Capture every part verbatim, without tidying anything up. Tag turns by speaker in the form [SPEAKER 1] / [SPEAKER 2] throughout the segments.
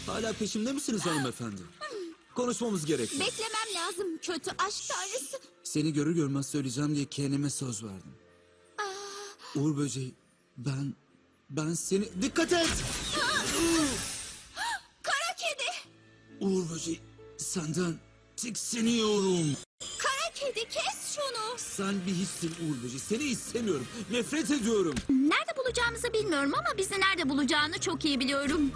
[SPEAKER 1] Hala peşimde misiniz hanımefendi? Konuşmamız gerekiyor.
[SPEAKER 2] Beklemem lazım kötü aşk tanrısı.
[SPEAKER 1] Seni görür görmez söyleyeceğim diye kendime söz verdim. Uğur böceği, ben, ben seni... Dikkat et!
[SPEAKER 2] Kara kedi.
[SPEAKER 1] Uğur böceği, senden tiksiniyorum.
[SPEAKER 2] Kara kedi kes şunu.
[SPEAKER 1] Sen bir hissin Uğur böceği, seni istemiyorum. Nefret ediyorum.
[SPEAKER 2] Nerede bulacağımızı bilmiyorum ama bizi nerede bulacağını çok iyi biliyorum.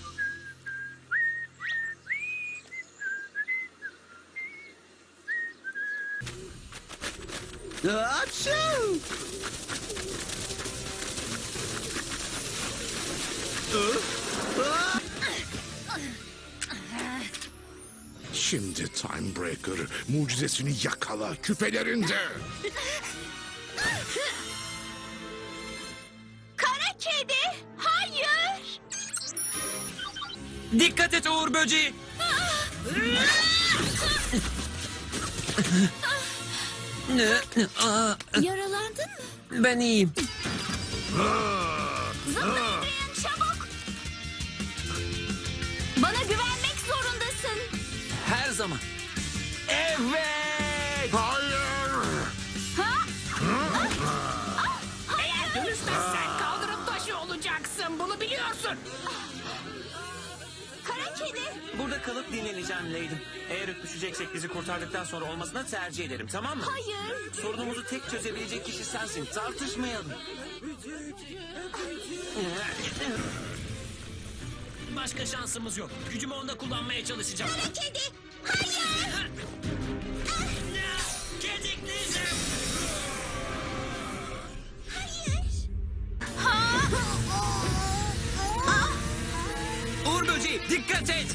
[SPEAKER 1] Apşu!
[SPEAKER 3] Şimdi Timebreaker mucizesini yakala küpelerinde.
[SPEAKER 2] Kara kedi, hayır.
[SPEAKER 4] Dikkat et Uğur böceği. Aa,
[SPEAKER 2] Yaralandın mı?
[SPEAKER 4] ben iyiyim.
[SPEAKER 2] Zıplayın çabuk. Bana güvenmek zorundasın.
[SPEAKER 4] Her zaman. Evet.
[SPEAKER 3] Hayır.
[SPEAKER 2] Ha?
[SPEAKER 5] Eğer dönüşmezsen kaldırım taşı olacaksın. Bunu biliyorsun.
[SPEAKER 2] Kara kedi.
[SPEAKER 4] Burada kalıp dinleneceğim Leydim. Eğer öpüşeceksek bizi kurtardıktan sonra olmasını tercih ederim, tamam mı?
[SPEAKER 2] Hayır.
[SPEAKER 4] Sorunumuzu tek çözebilecek kişi sensin. Tartışmayalım. Başka şansımız yok. Gücümü onda kullanmaya çalışacağım.
[SPEAKER 2] Kara kedi, hayır.
[SPEAKER 4] Gedikleyeceğim.
[SPEAKER 2] Hayır. Ha? Ah,
[SPEAKER 4] Uğur böceği dikkat et.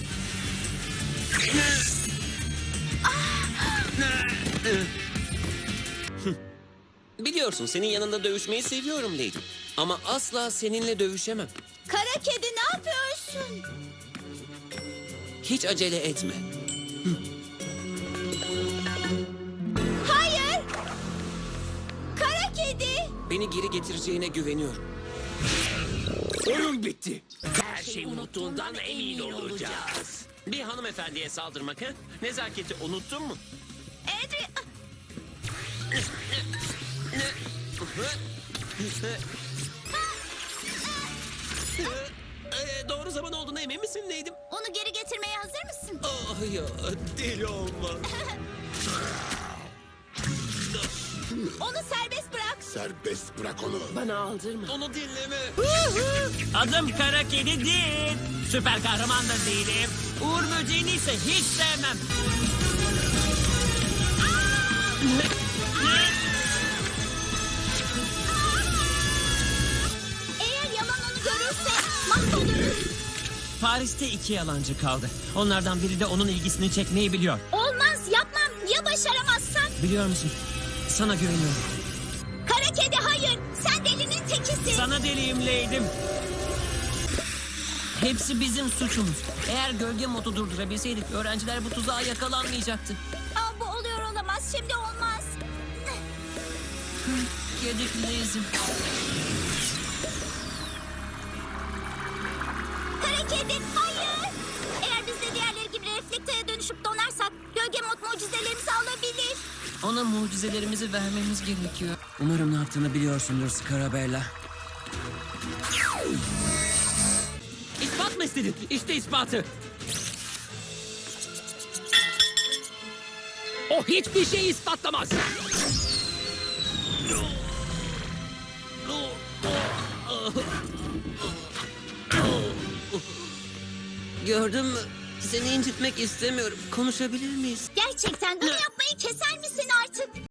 [SPEAKER 4] Biliyorsun senin yanında dövüşmeyi seviyorum Lady. Ama asla seninle dövüşemem.
[SPEAKER 2] Kara kedi ne yapıyorsun?
[SPEAKER 4] Hiç acele etme.
[SPEAKER 2] Hayır. Kara kedi.
[SPEAKER 4] Beni geri getireceğine güveniyorum.
[SPEAKER 3] Oyun bitti.
[SPEAKER 5] Her şey unuttuğundan emin olacağız.
[SPEAKER 4] Bir hanımefendiye saldırmak ha? Nezaketi unuttun mu?
[SPEAKER 2] Adri...
[SPEAKER 4] Ee, doğru zaman olduğuna emin misin Leydim?
[SPEAKER 2] Onu geri getirmeye hazır mısın?
[SPEAKER 4] Ah ya deli olma.
[SPEAKER 2] Onu serbest bırak.
[SPEAKER 3] Serbest bırak onu.
[SPEAKER 5] Bana aldırma.
[SPEAKER 4] Onu dinleme.
[SPEAKER 6] Adım Kara Kedi değil. Süper kahraman da değilim. Uğur böceğini ise hiç sevmem.
[SPEAKER 2] Eğer Yaman onu görürse mahvoluruz.
[SPEAKER 6] Paris'te iki yalancı kaldı. Onlardan biri de onun ilgisini çekmeyi biliyor.
[SPEAKER 2] Olmaz yapmam. Ya başaramazsan?
[SPEAKER 6] Biliyor musun? Sana güveniyorum.
[SPEAKER 2] Kara kedi hayır. Sen delinin tekisin.
[SPEAKER 6] Sana deliyim Leydim. Hepsi bizim suçumuz. Eğer gölge modu durdurabilseydik öğrenciler bu tuzağa yakalanmayacaktı.
[SPEAKER 2] Aa, bu oluyor olamaz. Şimdi olmaz.
[SPEAKER 6] Gedikliyizim.
[SPEAKER 2] Kara kedi hayır. Eğer biz de diğerleri gibi reflekteye dönüşüp donarsak gölge mod mucizelerimizi alabilir.
[SPEAKER 6] Ona mucizelerimizi vermemiz gerekiyor. Umarım ne yaptığını biliyorsundur Scarabella. İspat mı istedin? İşte ispatı.
[SPEAKER 5] O hiçbir şey ispatlamaz.
[SPEAKER 4] Gördün mü? Seni incitmek istemiyorum. Konuşabilir miyiz?
[SPEAKER 2] Gerçekten bunu yapmayı keser misin artık?